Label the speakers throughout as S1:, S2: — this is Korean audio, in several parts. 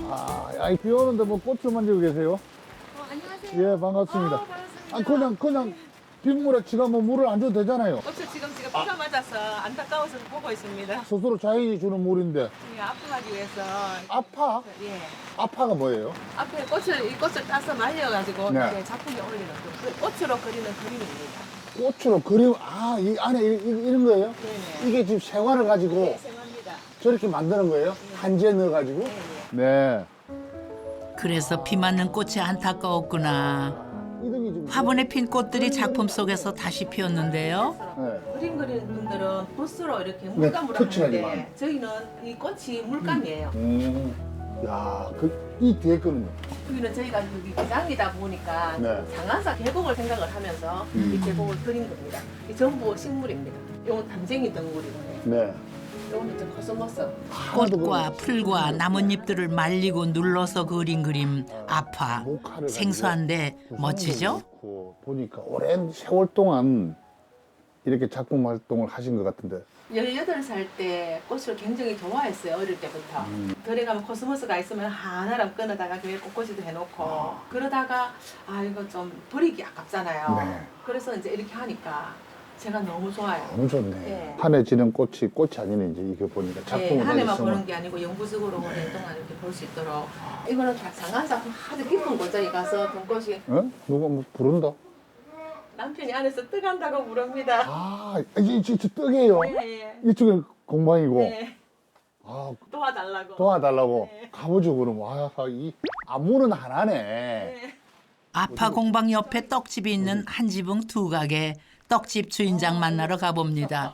S1: 아이, 비 오는데 뭐 꽃을 만지고 계세요?
S2: 안녕하세요.
S1: 예, 반갑습니다.
S2: 반갑습니다.
S1: 그냥 빗물에 지가 뭐 물을 안 줘도 되잖아요.
S2: 꽃을 지금 제가 비가 맞아서 안타까워서 보고 있습니다.
S1: 스스로 자연이 주는 물인데.
S2: 이 아프하기 위해서
S1: 아파?
S2: 예
S1: 아파가 뭐예요?
S2: 앞에 이 꽃을 따서 말려가지고
S1: 네.
S2: 이렇게 작품에 올리는 그 꽃으로 그리는 그림입니다.
S1: 꽃으로 그림, 이 안에 이런 거예요?
S2: 네네.
S1: 이게 지금 생화를 가지고
S2: 네, 생합니다.
S1: 저렇게 만드는 거예요? 한지에 넣어가지고?
S2: 네,
S1: 네.
S3: 그래서 비 맞는 꽃이 안타까웠구나.
S1: 이등이 지금.
S3: 화분에 핀 꽃들이 작품 속에서 다시 피었는데요.
S1: 네.
S2: 그림 그리는 분들은 붓으로 이렇게 물감으로
S1: 터치하지만.
S2: 하는데 저희는 이 꽃이 물감이에요.
S1: 야, 이 뒤에 거는요?
S2: 여기는 저희가 여기 기장이다 보니까
S1: 네.
S2: 상한사 계곡을 생각을 하면서 이 계곡을 그린 겁니다. 이 전부 식물입니다. 이건 담쟁이 덩굴이고요.
S1: 네.
S2: 이거는 좀 코스모스.
S3: 꽃과 풀과 나뭇잎들을 말리고 눌러서 그린 그림 아파.
S1: 목화를
S3: 생소한데
S1: 가지고
S3: 멋지죠?
S1: 넣고 보니까 오랜 세월 동안 이렇게 작품 활동을 하신 것 같은데.
S2: 18살 때 꽃을 굉장히 좋아했어요. 어릴 때부터. 들에 가면 코스모스가 있으면 하나랑 끊어다가 교회 꽃꽂이도 해놓고 그러다가 이거 좀 버리기 아깝잖아요.
S1: 네.
S2: 그래서 이제 이렇게 하니까 제가 너무 좋아요.
S1: 너무 좋네.
S2: 네.
S1: 한해 지는 꽃이 아니네, 이제 이거 보니까. 작품을
S2: 한 해만
S1: 있으면.
S2: 보는 게 아니고 영구적으로 오랜 동안 이렇게 볼 수 있도록. 이거는 상한사 아주 깊은 곳에 가서 봄꽃이
S1: 어? 누가 뭐 부른다?
S2: 남편이 안에서 뜨간다고 부릅니다.
S1: 이게 떡이에요.
S2: 네.
S1: 이쪽은 공방이고.
S2: 네.
S1: 아,
S2: 도와달라고.
S1: 도와달라고.
S2: 네.
S1: 가보죠, 그럼. 이 안무는 하나네.
S2: 네.
S3: 아파 공방 옆에 떡집이 있는 한 지붕 두 가게. 떡집 주인장 만나러 가봅니다.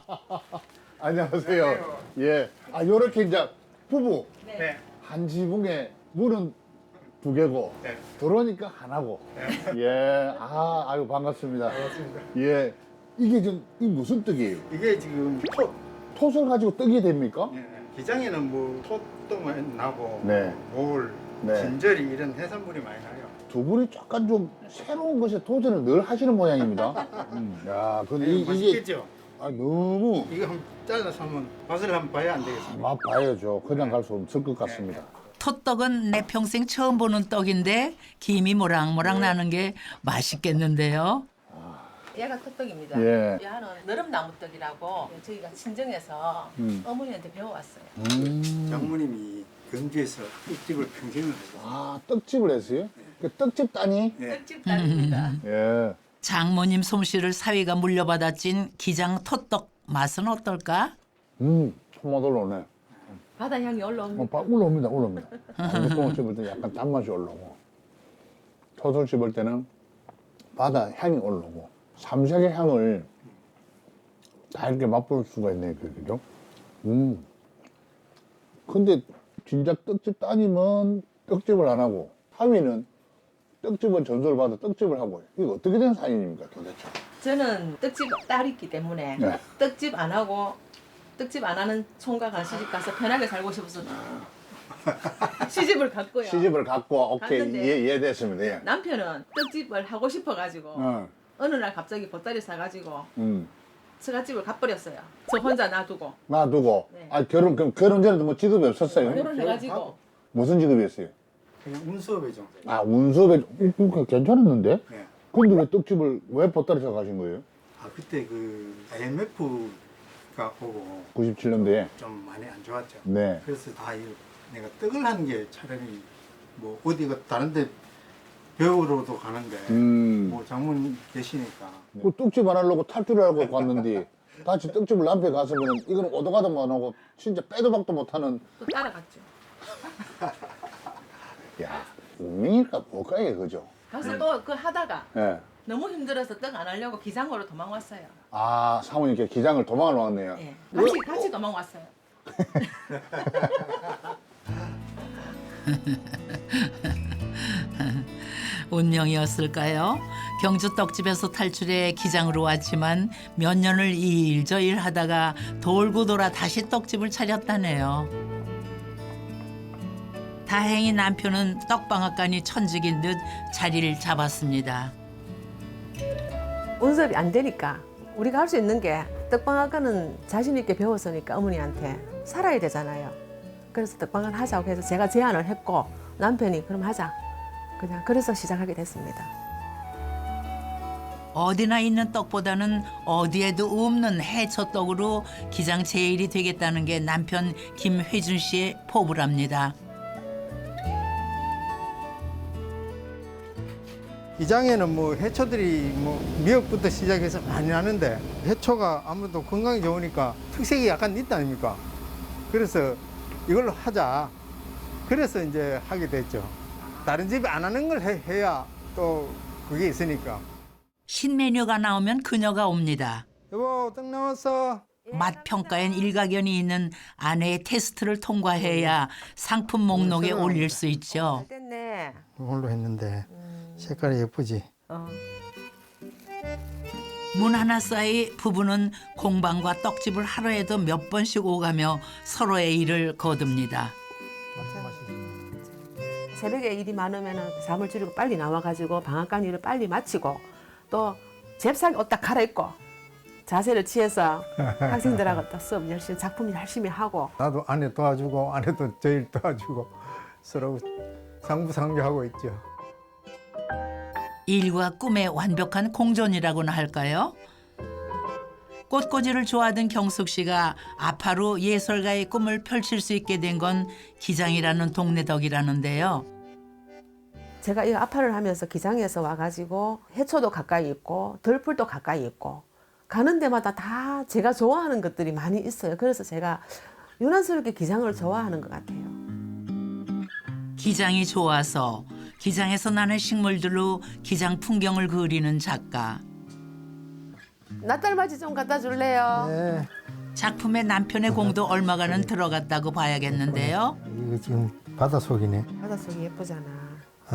S1: 안녕하세요. 예. 요렇게 이제 부부.
S2: 네.
S1: 한 지붕에 문은 두 개고.
S4: 네.
S1: 들어오니까 하나고. 예. 아유, 반갑습니다.
S4: 반갑습니다.
S1: 예. 이게 이 무슨 떡이에요?
S4: 이게 지금
S1: 톳을 가지고 떡이 됩니까?
S4: 기장에는 뭐 톳도 많이 나고
S1: 네.
S4: 물,
S1: 네.
S4: 진저리 이런 해산물이 많이 나요.
S1: 두 분이 약간 좀 새로운 것에 도전을 늘 하시는 모양입니다. 야, 근데
S4: 네,
S1: 이게
S4: 맛있겠죠?
S1: 너무
S4: 이거 한번 잘라서 한번 맛을 한번 봐야 안 되겠습니까?
S1: 맛 봐야죠. 그냥 갈 수 없을 것 같습니다.
S3: 톳떡은 내 평생 처음 보는 떡인데 김이 모락모락 나는 게 맛있겠는데요.
S2: 얘가 톳떡입니다.
S1: 예.
S2: 얘는 너름나무떡이라고 저희가 친정에서 어머니한테 배워왔어요.
S4: 장모님이 경주에서 떡집을 평생을 하셨어요.
S1: 떡집을 했어요? 그 떡집 따니?
S4: 네.
S2: 떡집 딸입니다.
S1: 예.
S3: 장모님 솜씨를 사위가 물려받아 찐 기장 톳떡 맛은 어떨까?
S1: 손맛 올라오네.
S2: 바다 향이 올라옵니다.
S1: 올라옵니다. 똥을 씹을 때 약간 단맛이 올라오고, 톳을 씹을 때는 바다 향이 올라오고, 삼색의 향을 다 이렇게 맛볼 수가 있네, 그죠? 근데 진작 떡집 따님은 떡집을 안 하고, 하위는 떡집은 전수를 받아 떡집을 하고, 이거 어떻게 된 사연입니까, 도대체?
S2: 저는 떡집 딸이기 때문에
S1: 네.
S2: 떡집 안 하고 떡집 안 하는 총각한 시집 가서 편하게 살고 싶어서 시집을 갔고요.
S1: 시집을 갖고, 오케이,
S2: 갔는데
S1: 이해됐습니다. 예.
S2: 남편은 떡집을 하고 싶어가지고 어느 날 갑자기 보따리 사가지고 처갓집을 가버렸어요. 저 혼자 놔두고
S1: 놔두고,
S2: 네.
S1: 그럼 결혼 전에도 뭐 직업이 없었어요?
S2: 결혼해가지고
S1: 무슨 직업이었어요?
S4: 그냥 운수업의 정도.
S1: 운수업에, 괜찮았는데?
S4: 네.
S1: 근데 왜 떡집을, 왜 보따리 사 가신 거예요?
S4: 그때 그 IMF가 오고
S1: 97년도에.
S4: 좀 많이 안 좋았죠.
S1: 네.
S4: 그래서 내가 떡을 하는 게 차라리 뭐 어디가 다른데 배우러도 가는데 뭐 장모님 계시니까
S1: 그 떡집 안 하려고 탈출을 하고 갔는데, 같이 떡집을 남편 갔으면, 이건 오도 가도 못 하고, 진짜 빼도 박도 못 하는,
S2: 또 따라갔죠.
S1: 야, 운명일까 뭘까요, 그죠?
S2: 가서 또 그 하다가
S1: 예.
S2: 너무 힘들어서 떡 안 하려고 기장으로 도망왔어요.
S1: 사모님께 기장을 도망을 왔네요.
S2: 예. 같이 도망왔어요.
S3: 운명이었을까요? 경주 떡집에서 탈출해 기장으로 왔지만 몇 년을 이 일 저 일 하다가 돌고 돌아 다시 떡집을 차렸다네요. 다행히 남편은 떡방앗간이 천직인 듯 자리를 잡았습니다.
S2: 운섭이 안 되니까 우리가 할 수 있는 게 떡방앗간은 자신 있게 배웠으니까 어머니한테 살아야 되잖아요. 그래서 떡방을 하자고 해서 제가 제안을 했고 남편이 그럼 하자. 그냥 그래서 시작하게 됐습니다.
S3: 어디나 있는 떡보다는 어디에도 없는 해초떡으로 기장 제일이 되겠다는 게 남편 김회준 씨의 포부랍니다.
S4: 기장에는 뭐 해초들이 뭐 미역부터 시작해서 많이 나는데 해초가 아무래도 건강에 좋으니까 특색이 약간 있다 아닙니까? 그래서 이걸로 하자. 그래서 이제 하게 됐죠. 다른 집이 안 하는 걸 해야 또 그게 있으니까.
S3: 신메뉴가 나오면 그녀가 옵니다.
S4: 여보, 떡 나왔어.
S3: 맛 평가엔 일가견이 있는 아내의 테스트를 통과해야 상품 목록에 올릴 수 있죠.
S2: 됐네.
S4: 이걸로 했는데 색깔이 예쁘지?
S3: 문 하나 사이 부부는 공방과 떡집을 하루에도 몇 번씩 오가며 서로의 일을 거둡니다.
S2: 새벽에 일이 많으면 잠을 줄이고 빨리 나와가지고 방앗간 일을 빨리 마치고 또 잽싸게 옷 딱 갈아입고 자세를 취해서 학생들하고 또 수업 열심히 작품 열심히 하고
S4: 나도 아내 도와주고 아내도 저 일 도와주고 서로 상부상조하고 있죠.
S3: 일과 꿈의 완벽한 공존이라고나 할까요? 꽃꽂이를 좋아하던 경숙 씨가 아파로 예술가의 꿈을 펼칠 수 있게 된 건 기장이라는 동네 덕이라는데요.
S2: 제가 이 아파를 하면서 기장에서 와가지고 해초도 가까이 있고 덜풀도 가까이 있고 가는 데마다 다 제가 좋아하는 것들이 많이 있어요. 그래서 제가 유난스럽게 기장을 좋아하는 것 같아요.
S3: 기장이 좋아서 기장에서 나는 식물들로 기장 풍경을 그리는 작가.
S2: 낫달맞이 좀 갖다 줄래요?
S4: 네.
S3: 작품에 남편의 공도 얼마가는 들어갔다고 봐야겠는데요.
S4: 이거 지금 바닷속이네.
S2: 바닷속이 예쁘잖아.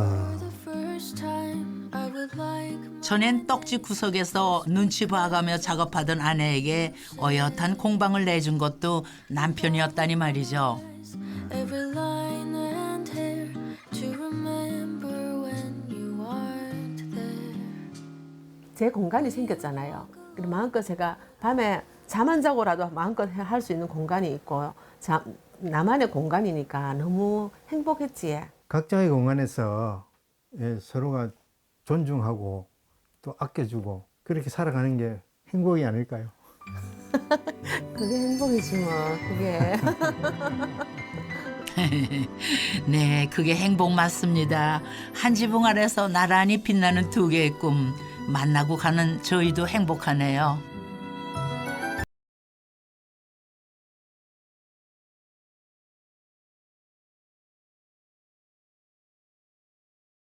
S3: 전엔 떡집 구석에서 눈치 봐가며 작업하던 아내에게 어엿한 공방을 내준 것도 남편이었다니 말이죠.
S5: Every line and hair to remember when you aren't there.
S2: 제 공간이 생겼잖아요. 그리고 마음껏 제가 밤에 잠 안 자고라도 마음껏 할 수 있는 공간이 있고 나만의 공간이니까 너무 행복했지.
S4: 각자의 공간에서 서로가 존중하고 또 아껴주고 그렇게 살아가는 게 행복이 아닐까요?
S2: 그게 행복이지 뭐. 그게.
S3: 네, 그게 행복 맞습니다. 한 지붕 아래서 나란히 빛나는 두 개의 꿈 만나고 가는 저희도 행복하네요.